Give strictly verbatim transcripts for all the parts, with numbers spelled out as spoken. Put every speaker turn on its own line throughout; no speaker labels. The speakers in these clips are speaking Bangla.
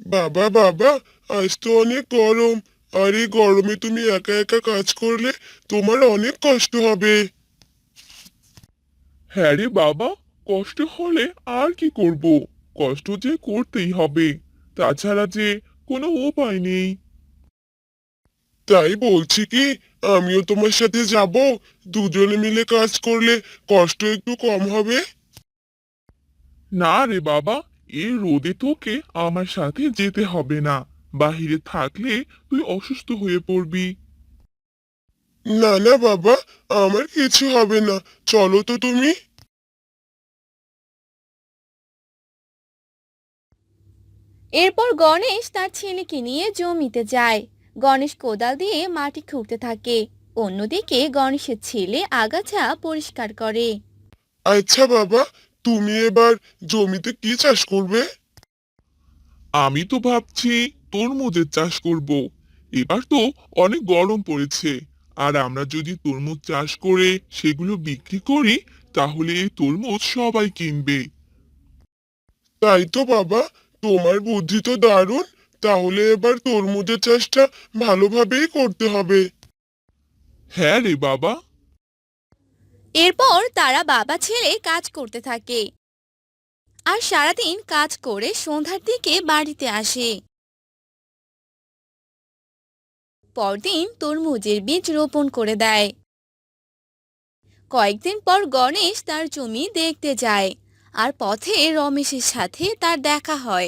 বাবা বাবা, আজ তো অনেক গরম। আর এই গরমে তুমি একা একা কাজ করলে তোমার অনেক কষ্ট হবে। হ্যাঁ রে বাবা, কষ্ট হলে আর কি করব? কষ্ট যে করতেই হবে, তাছাড়া যে কোনো উপায় নেই। তাই বলছি কি, আমিও তোমার সাথে যাব। দুজনে মিলে কাজ করলে কষ্ট একটু কম হবে। না রে বাবা, এই রোদে তোকে আমার সাথে যেতে হবে না। বাহিরে থাকলে তুই অসুস্থ হয়ে পড়বি। না না বাবা, আমার কিছু হবে না। চলো তো তুমি।
এরপর গণেশ তার ছেলেকে নিয়ে জমিতে যায়। গণেশ কোদাল দিয়ে মাটি খুঁড়তে থাকে। অন্যদিকে গণেশের ছেলে আগাছা পরিষ্কার করে।
আচ্ছা বাবা, তুমি এবার জমিতে কি চাষ করবে? আমি তো ভাবছি তরমুজের চাষ করব। এবার তো অনেক গরম পড়েছে, আর আমরা যদি তরমুজ চাষ করে সেগুলো বিক্রি করি, তাহলে এই তরমুজ সবাই কিনবে। তাই তো বাবা, তোমার বুদ্ধি তো দারুণ। তাহলে এবার তরমুজের চাষটা ভালোভাবেই করতে হবে। হ্যাঁ রে বাবা।
এরপর তারা বাবা ছেলে কাজ করতে থাকে আর সারাদিন কাজ করে সন্ধ্যার দিকে বাড়িতে আসে। পরদিন তরমুজের বীজ রোপণ করে দেয়। কয়েকদিন পর গণেশ তার জমি দেখতে যায় আর পথে রমেশের সাথে তার দেখা হয়।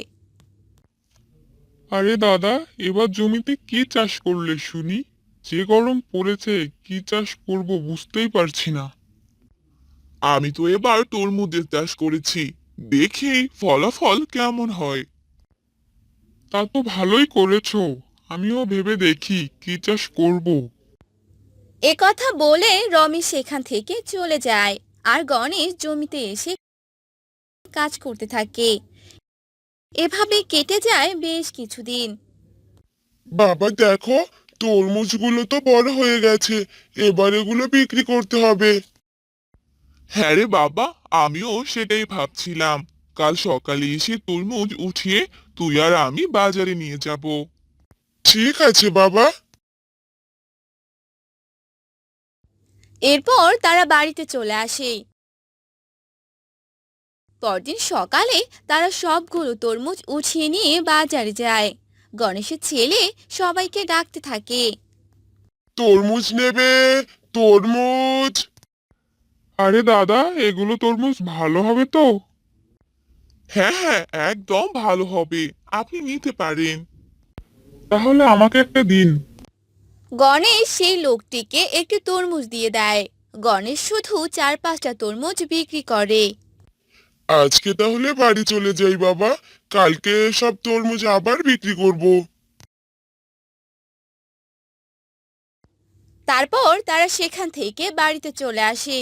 আরে দাদা, এবার জমিতে কি চাষ করলে শুনি? যে গরম পড়েছে, কি চাষ করব বুঝতেই পারছি না। আমি তো এবার তরমুজের চাষ করেছি। দেখি ফলাফল কেমন হয়। তা তো ভালোই করেছো। আমিও ভেবে দেখি কি চাষ করব।
এ কথা বলে রমেশ সেখান থেকে চলে যায় আর গণেশ জমিতে এসে কাজ করতে থাকে। এভাবে কেটে যায় বেশ কিছুদিন।
বাবা দেখো, তরমুজগুলো তো বড় হয়ে গেছে। এবার এগুলো বিক্রি করতে হবে। হ্যাঁ রে বাবা, আমিও সেটাই ভাবছিলাম। কাল সকালে এসে তরমুজ উঠিয়ে তুই আর আমি বাজারে নিয়ে যাব। ঠিক আছে বাবা।
এরপর তারা বাড়িতে চলে আসে। পরদিন সকালে তারা সবগুলো তরমুজ উঠিয়ে নিয়ে বাজারে যায়। গণেশের ছেলে সবাইকে ডাকতে থাকে।
তরমুজ নেবে? তরমুজ। আরে দাদা, এগুলো তরমুজ ভালো হবে তো? হ্যাঁ হ্যাঁ, একদম ভালো হবে। আপনি নিতে পারেন। তাহলে আমাকে একটা দিন।
গণেশ সেই লোকটিকে একটি তরমুজ দিয়ে দেয়। গণেশ শুধু চার পাঁচটা তরমুজ বিক্রি করে।
আজকে তাহলে বাড়ি চলে যাই বাবা। কালকে সব তরমুজ আবার বিক্রি করব।
তারপর তারা সেখান থেকে বাড়িতে চলে আসে।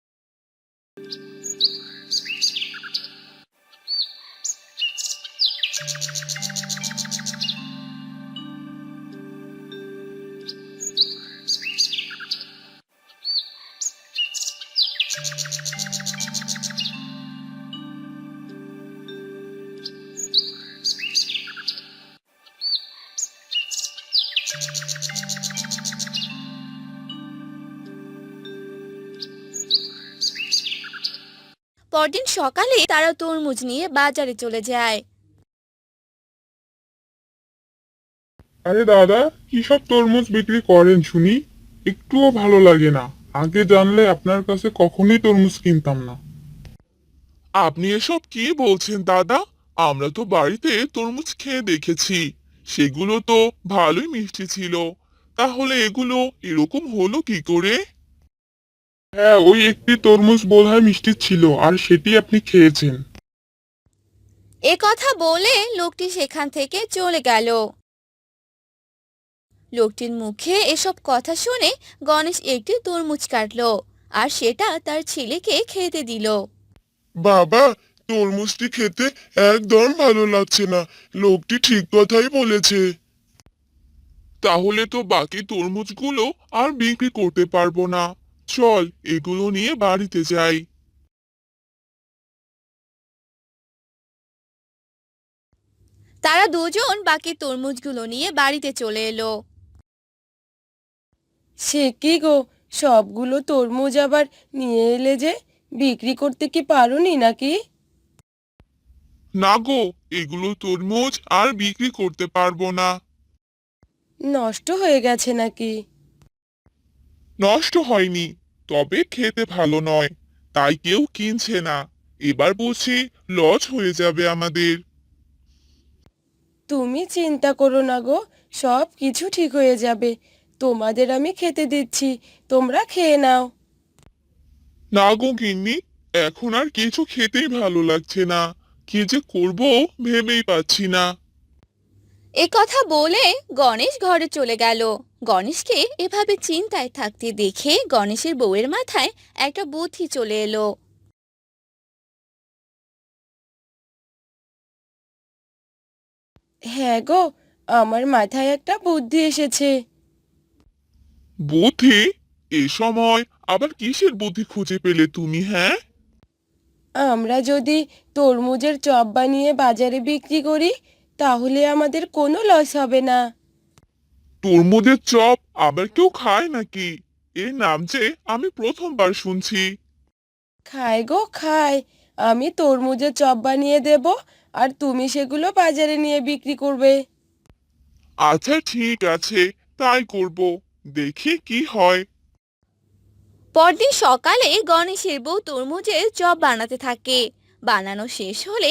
পরদিন সকালে তারা তরমুজ নিয়ে বাজারে চলে যায়।
আরে দাদা, কি সব তরমুজ বিক্রি করেন শুনি? একটুও ভালো লাগে না। আগে জানলে আপনার কাছে কখনোই তরমুজ কিনতাম না। আপনি এসব কি বলছেন দাদা? আমরা তো বাড়িতে তরমুজ খেয়ে দেখেছি। সেগুলো তো ভালোই মিষ্টি ছিল। তাহলে এগুলো এরকম হলো কি করে? হ্যাঁ, ওই একটি তরমুজ বোধহয় মিষ্টি ছিল, আর সেটি আপনি খেয়েছেন।
এ কথা বলে লোকটি সেখান থেকে চলে গেল। লোকটির মুখে এসব কথা শুনে গণেশ একটি তরমুজ কাটলো আর সেটা তার ছেলেকে খেতে দিল।
বাবা, তরমুজটি খেতে একদম ভালো লাগছে না। লোকটি ঠিক কথাই বলেছে। তাহলে তো বাকি তরমুজগুলো আর বিক্রি করতে পারবো না। চল, এগুলো নিয়ে বাড়িতে যাই।
তারা দুজন বাকি তরমুজগুলো নিয়ে বাড়িতে চলে এলো।
সে কি গো, সবগুলো তরমুজ আবার নিয়ে এলে যে? বিক্রি করতে কি পারোনি নাকি?
না গো, এগুলো তরমুজ আর বিক্রি করতে পারবো না।
নষ্ট হয়ে গেছে নাকি?
নষ্ট হয়নি, তবে খেতে ভালো নয়, তাই কেউ কিনছে না। এবার বলছি লস হয়ে যাবে আমাদের।
তুমি চিন্তা করো না গো, সব কিছু ঠিক হয়ে যাবে। তোমাদের আমি খেতে দিচ্ছি, তোমরা খেয়ে নাও।
না গো গিন্নি, এখন আর কিছু খেতেই ভালো লাগছে না। কি যে করব ভেবেই পাচ্ছি না।
এ কথা বলে গণেশ ঘরে চলে গেল। গণেশকে এভাবে চিন্তায় থাকতে দেখে গণেশের বউয়ের মাথায় একটা বুদ্ধি চলে এলো।
হ্যাঁ গো, আমার মাথায় একটা বুদ্ধি এসেছে।
বুদ্ধি? এ সময় আবার কিসের বুদ্ধি খুঁজে পেলে তুমি, হ্যাঁ?
আমরা যদি তরমুজের চপ বানিয়ে বাজারে বিক্রি করি, তাহলে আমাদের কোনো লস হবে না।
তরমুজের চপ আবার কেউ খায় নাকি? এর নাম যে আমি প্রথমবার শুনছি।
খায় গো খায়। আমি তরমুজের চপ বানিয়ে দেব, আর তুমি সেগুলো বাজারে নিয়ে বিক্রি করবে।
আচ্ছা ঠিক আছে, তাই করব। দেখি কি হয়।
পরদিন সকালে গণেশের বউ তরমুজের চপ বানাতে থাকে। বানানো শেষ হলে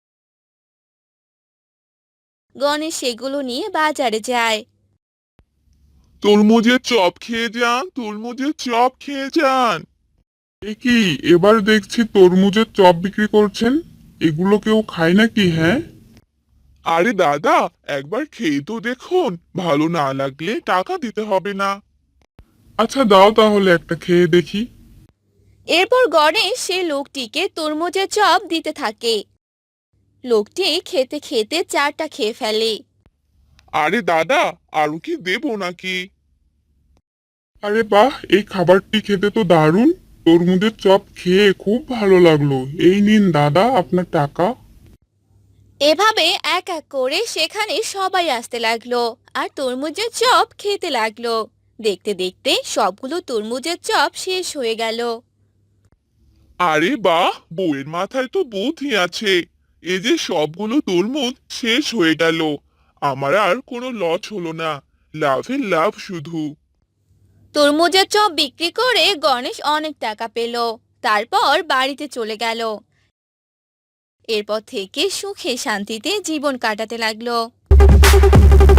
গণেশ সেগুলো নিয়ে বাজারে যায়।
তরমুজের চপ খেয়ে যান, তরমুজের চপ খেয়ে যান। এ কি, এবার দেখছি তরমুজের চপ বিক্রি করছেন। এগুলো কেউ খায় নাকি, হ্যাঁ? আরে দাদা, একবার খেয়ে তো দেখুন, ভালো না লাগলে টাকা দিতে হবে না। আচ্ছা দাও তাহলে একটা খেয়ে দেখি।
এরপর গণেশ সে লোকটিকে তরমুজের চপ দিতে থাকে। লোকটি খেতে খেতে চারটা খেয়ে ফেলে।
আরে দাদা, আরো কি দেবো নাকি? আরে বাহ, এই খাবারটি খেতে তো দারুণ। তরমুজের চপ খেয়ে খুব ভালো লাগলো। এই নিন দাদা আপনার টাকা।
এভাবে এক এক করে সেখানে সবাই আসতে লাগলো আর তরমুজের চপ খেতে লাগলো। দেখতে দেখতে সবগুলো তরমুজের চপ শেষ হয়ে গেল।
আরে বাহ, বউয়ের মাথায় তো বুদ্ধি আছে। এই যে সবগুলো তরমুজ শেষ হয়ে গেল, আমার আর কোনো লস হলো না। লাভের লাভ শুধু।
তরমুজের চপ বিক্রি করে গণেশ অনেক টাকা পেল। তারপর বাড়িতে চলে গেল। এরপর থেকে সুখে শান্তিতে জীবন কাটাতে লাগলো।